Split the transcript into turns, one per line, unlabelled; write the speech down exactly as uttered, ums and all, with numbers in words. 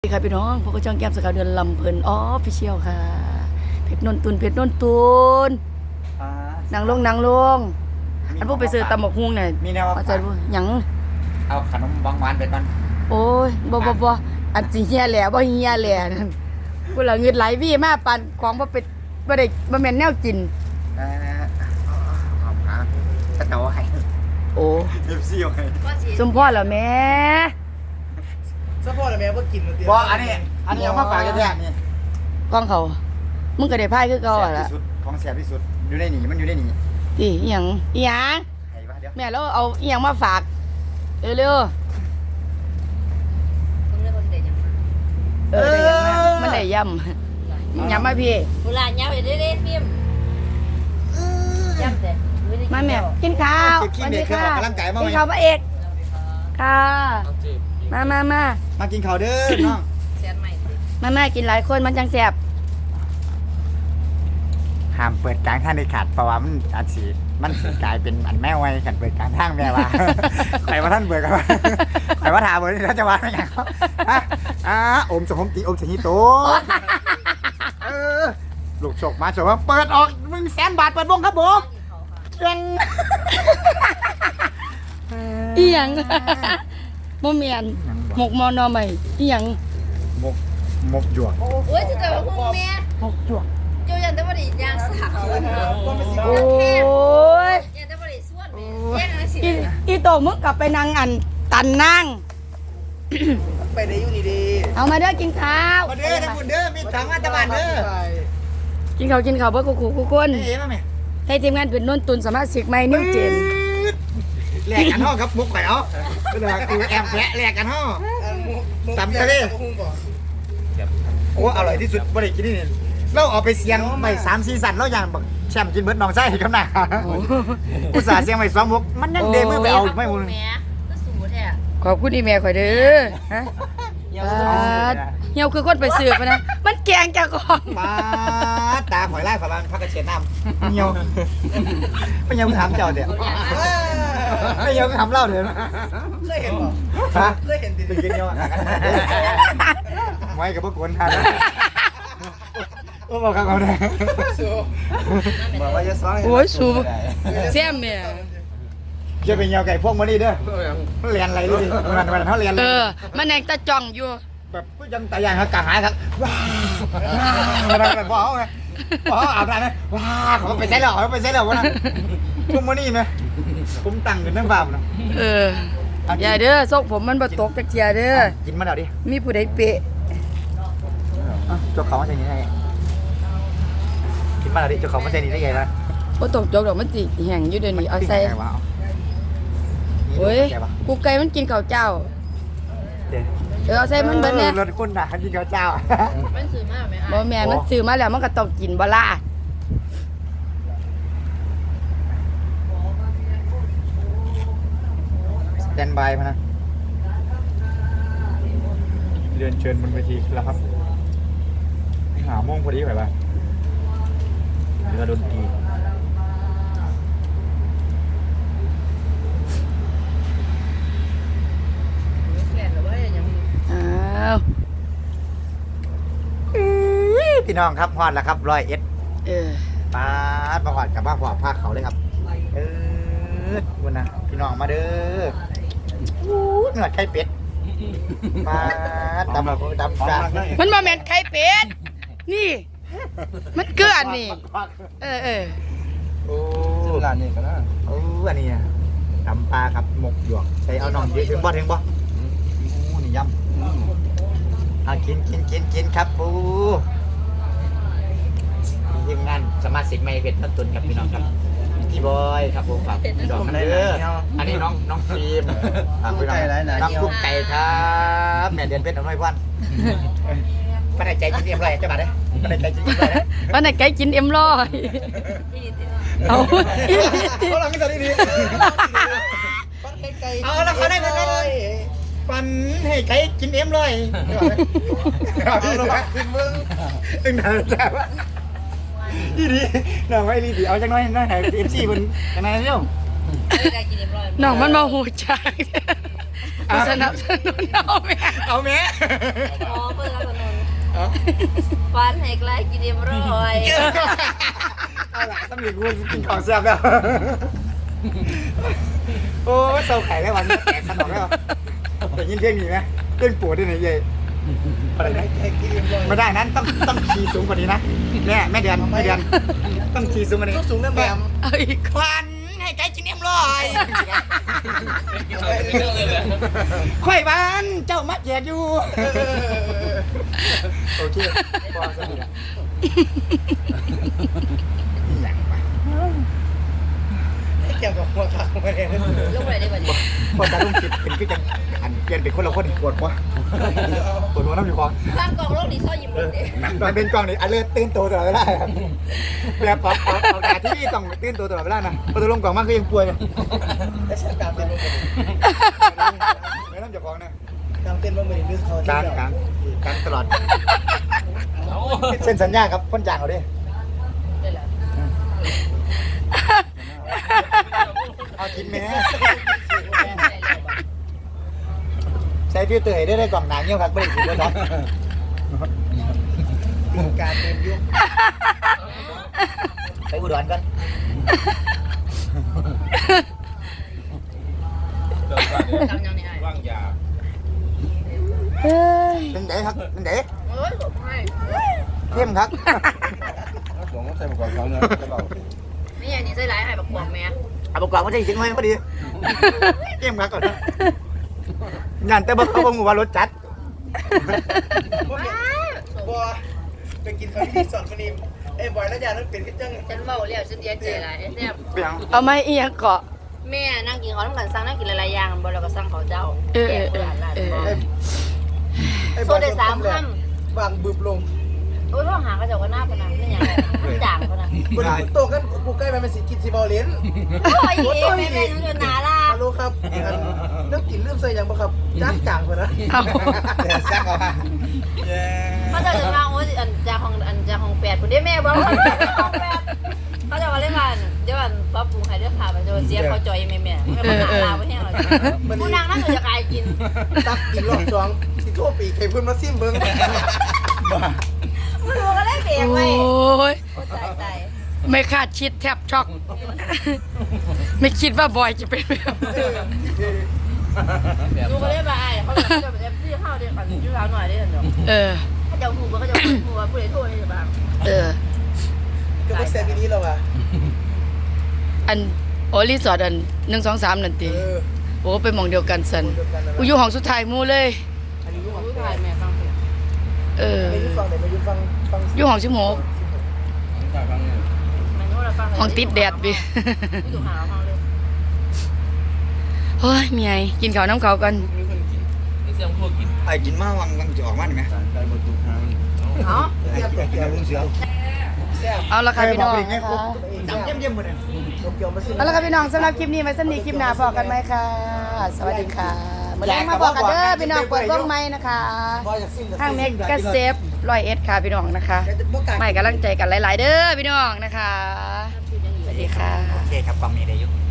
ค่ะพี่น้องพวกก็ช่องแก้มสกาวเดือนลำเพลินออฟฟิเชียลค่ะเพชรนนตุนเพชรนนตุนนางลงนางลงอันพวกไปซื้อตำหมกฮุ้งเนี่ย
มีแนวว่า
เอาใจบ่หยัง
เอาขนมบางหวานไปก่อน
โอ้ยบ่บ่บ่อันสิเฮียแหล่บ่เฮียแหล่นั่นกูละเงินไหลวี่มาปานของบ่เป็นบ่ได้บ่แม่นแนวกิน
เอ่อเอาหาตะเตาให้
โอ้
เอฟซีเอาให้
สมพ่อแล้วแม่
สะโพกอะไรแม่ว่ากินมันเตี้ย
บ่อันนี้อันนี้เอามาฝากแท้ๆนี่
กล้องเขามึงก็ได้พายคือเก่า
แซ่บ
อ่ะล่ะ
ที่สุดของแซ่บที่สุดอยู่ในนี่มันอยู่ในนี่
ติอีหยังอีหยัง
ไอ้วะเดี๋ยว
แม่แล้วเอาอีหยังมาฝากเร็วๆ
มึงเลือกคนเด็ดยังไง
เออได้ยังมามันได้ย่ำย่ำมาพี่
เวลาเนี้ยไปเรื่อยๆพิมย้ำเด็ด
มาแม่กินข้าว
ขี้เด็กเครื่องออกกำลังกายมา
กิ
ไห
น
ม
ข้าวพระเอกค่ะมามามา
มากินข้าวเด้อน้อง
เสียนใหม่สิ
มามากินหลายคนมันจังแสบ
ห้ามเปิดกลางทางเด็ดขาดเพราะว่ามันอาจสิมันสิกลายเป็นอันแม่ไว้กันเปิดกลางทางแม่ว่า ใครว่าท่านเปิดกันว่าใครว่าถามเปิดแล้วจะว่าไม่อย่างเขาอ่ะอ่ะอมสมตีอมสหิโตเออลูกโชคมาโชคว่าเปิดออกมึงแสนบาทเปิดวงครับผมเก่ง
อีหยังโมเมียนหมกมอนอใหม่อีหยัง
มกมกหยวก
โอ้ยจะเกิดว่าพุ่งแม่
หมกจวก
เจ้ายันได้บริยางสาว
โอ้ย
ยันได้บริส่วนแม่แย่งอะไรสิ
อีอีโตมึงกลับไปนั่งอันตันนั่ง
ไปได้อยู่นี่ดี
เอามาเด้อกินข้าว
มาเด้อนะคุณเด้อมีถังอัตบานเด้อ
กินข้าวกินข้าวเพื่อกูกูคน
เอ๋มาไหม
ให้ทีมงานเป็นนนตุนสามารถสิกไม่นิ้วเจน
แลกกันห่อครับมุกไข่เอาเวลากูแอมแพะแลกกันห่อ ตำทะเล โอ้อร่อยที่สุดบริกินนี่เราเอาไปเสียงไปสามซีสันเราอย่างแบบแชมป์กินเบิร์ดน้องไส้ครับนะอุตส่าห์เสียงไปสองมุกมันยังเดมือไปเอาไม่มุน
แม่ก็สูแท้
ขอบคุณอีเมลข่อยเด้อฮะเหี่ยวคือคนไปสืบมานะ มันแกงจากของ
มาตาหอยไล่ฝรั่งพักกระเช็ดน้ำเหี่ยวไม่ยังถามเจ้าเดี๋ยวไม่ยังถามเล่าเดี๋ยว
เคยเห็นป่ะ
ฮะ
เคยเห็นดิ
ไปกินเหี่ยวไว้กับพวกคนทานโอ้บอกเขาเขาเนี่ย
บอกว่าจะซ้อน
โอ้ยสูบแซ่บแม่
จะเป็นเหี่ยวไก่พวกมันนี่เด้อเรียนอะไรดิมันมันเขาเรียน
เออ มันแหงตะจ่องอยู่
แบบผู้ยังตายอย่างเขากระหายครับว้าวมันแบบว้าวไงว้าวอาบน้ำไหมว้าวเขาไปใช้เหล่าเขาไปใช้เหล่าวะนะพวกมันนี่ไหมผมตั้งกันทั้งฟาร์มนะ
เออ อย่าเด้อซกผมมันบ่ตกจักเทียเด้อ
กินมาเดี๋ยวดิ
มีผู้ใดเปะ
เจ้าของมาใส่นี่ได้กินมาเดี๋ยวดิเจ้าของมาใส่นี่ได้ไงล่ะ
บ่ตกจกดอกมันสิแห้งอยู่เดี๋ยวนี้เอาใส่
ว้าว
โอ้ยกูไก่มันกินข้าวเจ้า
เดี๋ยว
เออเอาใส่มันเบิดแน่
รถคุณน่ะกินข้าวเจ้า
มันสื่อมากไหม
บ่แม่นมันซื้อมาแล้วมันก็ต้องกินบ่ล่ะ
สแตนบายพนะเรียนเชิญบนเวทีแล้วครับหาโมงพอดีไปป่ะเรือดนตรี
แก่หรือว่ายัง
อ้าว
พี่น้องครับฮอดแล้วครับร้อยเอ็ด
เออ
ปาดมาฮอดกับบ้าหัวภาคเขาเลยครับเออวันนะพี่น้องมาเด้ออู้เหนือไข่เป็ดปาดดำดำดำ
มันบ่แม่นไข่เป็ดนี่ มันเกลือนี่ เออเออ
โอ้
ร้านนี้ก็นะ
โอ้อันนี้อะตำปลาครับหมกหยวกใส่เอาน้องเยอะถึงบ่ถึงบ่อู้นี่ยำเอากินกินกินกินครับปูทีมงานสมาชิกไม่เพชรต้นตุนครับพี่น้องครับพี่บอยครับผมฝากพี่น้องกันเด้ออันนี้น้องน้องฟิล์มฝากพี่น้องน้องกุ๊กไก่ครับแม่เดือนเพชรน้อยพันไม่ได้ใจจริงเรียบร้อยเจ้าบ่าวเด้อไม่ได้ใจจริงเรียบร้อยนะ
วันไหนไก่กินเอ็มร้อย
ที่นี่ติด
เอา
เขาหลังกันดี เอาแล้วเขาได้เงินเลยปันให้ไก่กินเอ็มเลยเอาลงมาขึ้นมึงตึงหนาแต่ว่าดีดีหน่อยไม่ดีดีเอาจังน้อยน้อยไหนเอฟซีมันจังไหนเร็ว
ไม่ได้กินเรียบร้อย
น้องมันมาหูจักสนับสนุนเอาแม่
เอาแม่
อ๋อเปิดฟันให้ไกลกินเอ็มร้อย
เอาล่ะต้องมีกูกินของแซ่บแล้วโอ้เศร้าไข่แล้ววันนี้แตกขนมแล้วแต่ยินเพลงนี้ไหมเพลงปวดด้วยนะเย่อะไรนะ
ให้กินเอ็มร้อย
ไม่ได้นั้นต้องต้องคีย์สูงกว่านี้นะแม่แม่เดือนแม่เดือนต้องคีย์สูงกว่านี้
ต้องสูงนะแม่
เอาอีก
ควันให้ใจจินเอ็มลอยข่อยบ้านเจ้ามัดแยกอยู่โอเคพอสนิทละหนังไป
ให้เกี่ยวกับหัวขาของมันเอง
ลูกอะไรได้บ้าง
พอตาลุงคิดเป็นก็จะอันเปลี่ยนเป็นคนละคนปวดหัวปวดหัวน้ำอยู่คอ
ข้างกองโลกดีซ่อยิ้มเลยดิ
มันเป็นกล้องนี่อันเลือดตื่นตัวตลอดเวลาครับแบบปอกปอกปอกตาที่นี่ต้องตื่นตัวตลอดเวลานะพอตาลุงกล่องมากก็ยังป่วย
ได้ใช้การเต้นบ้างไหม
ไม่ต้องจะฟ้องนะ
การเต้นบ้างไหมหรือเขา
การการการตลอดเซ็นสัญญาครับคนจ้างเขาดิ
ได้แล้ว
เอากินไหมใช้ฟิลเตอร์ให้ได้ได้กล่องหนังเงี้ยครับไม่ได้สิบเลยครับ
การเต้นยุค
ไปอุดรกัน
ทำยังไง
ว่างยา
เฮ้ย
เป็นเด๋ครับเป็นเด๋
เฮ้ยผมให้
เข้มครับ
หลวงก็ใส่ประกอบเขาเนี่ยจะเบา
นี่อย่างนี้ใส่ร้ายให้บักบวงแม่
เอาประกอบมาได้จริงไหมพอดีเข้มครับก่อนงานแต่บอกเขาบอกว่ารถจัด
บัวไปกินข้าวที่สอนคนนี้เอ้บอยแล้วยานั้นเป็นกันจัง
ฉันเมาเรียกฉันเดียใจหลายแซ่บ
เปียง
เอาไม้อีหยังเกาะ
แม่นั่งกินเขาต้องการสั่งนั่งกินหลายๆอย่างบ่เราก็สั่งเขาเจ้า
เออ
แก
เออ
เพื่อนหลาน
เออ
บ่
เออ
โซได้สามค
วางบึบลง
ำโอ้ยพ่อหาเขาเจ้าก็หน้าปนังนี่ยังมันด่างเขานะ
คนโตกันกูใกล้ไปเป็นสิกินสิบอลเลน
โอ้ยแม่แม่ยังจะหนาล่ะ
ฮัลโหลครับเรื่องกินเรื่องใส่ยังบ่ครับจ้างจ่างคนนะ
เอา
เดี๋ยวแซ่บเอามาเย้
เขาจะจะมาโอ้ยอันจากของอันจากของแปดคนได้แม่บอกว่าของแปดเขาจะมาเล่นกันเดี๋ยวอันป๊อปปรุงให้เรื่องผ่าไปจะเสียเขาจอยแม่แม่ไม่มาหาลาไว้ให้เราผู้นางนั่งอยู่จะกายกิน
ตักกินรอบสองสิโทรปีใครเพิ่นมาซิมเบิ่ง
ไม่รู้ก็เล่นเบรก
โอ
ไว้
้ย
ตายตาย
ไม่คาดคิดแทบช็อก ไม่คิดว่าบอยจะเป็นแบบ
ดูก็เล่นไปเขาจะแบบเอฟซีเข้าเดี๋ยวก่อนชื่อเขาหน่อยได้เดี๋ยว
เออ
เขาจะหูเขาจะหูว่าผู้ใดโทษได้บ้าง
เออ
ก็บ่แซ่บอีนี้แล้วว่ะ
อันโอรีสอร์ทอันหนึ่งสองสามนั่นตี
เออ
โอ้ไปหมองเดียวกันสันกูอยู่ห้องสุดท้ายหมู่เลย
อันนี้อยู่
ผู้ชายแม่ฟังเพลง
เออ
ไม่อยู่ฟังไหนไม่อยู่ฟังฟัง
อยู่ห้องชิโมก
จากบางเนี่ย
มันโน้ตเราฟัง
ห้องติดแดดบิ
ไม่ถูกหาห้องเลย
เฮ้ยเมียกินข้าวน้ำเขาวกัน
มีคนกินนี่เสียงพวกกิน
ไอ้กินมาวังวังจะออกมาไหม
ใจหมดทุกทาง
เนาะ
แซ่บ
กินแล้วลุงเสือ
แซ่บ
เอาละค่ะพี่น้อง
ไงครบจำเยี่ยมเยี่ยมหมดเลย
เกี่ยวมาซิม
เอาละค่ะพี่น้องสำหรับคลิปนี้ไว้สำหรับคลิปหน้าพอกันไหมค่ะ สวัสดีค่ะมาแรงมาบอกกันเด้อพี่น้องเปิดวงไม้นะคะ
บ่อยากซิม
ทางเมกะเซฟร้อยเอ็ดค่ะพี่น้องนะคะไม่กำลังใจกันหลาย ๆ เด้อพี่น้องนะคะสวัสดีค่ะ
โอเคครับกล่องนี้ได้ยุ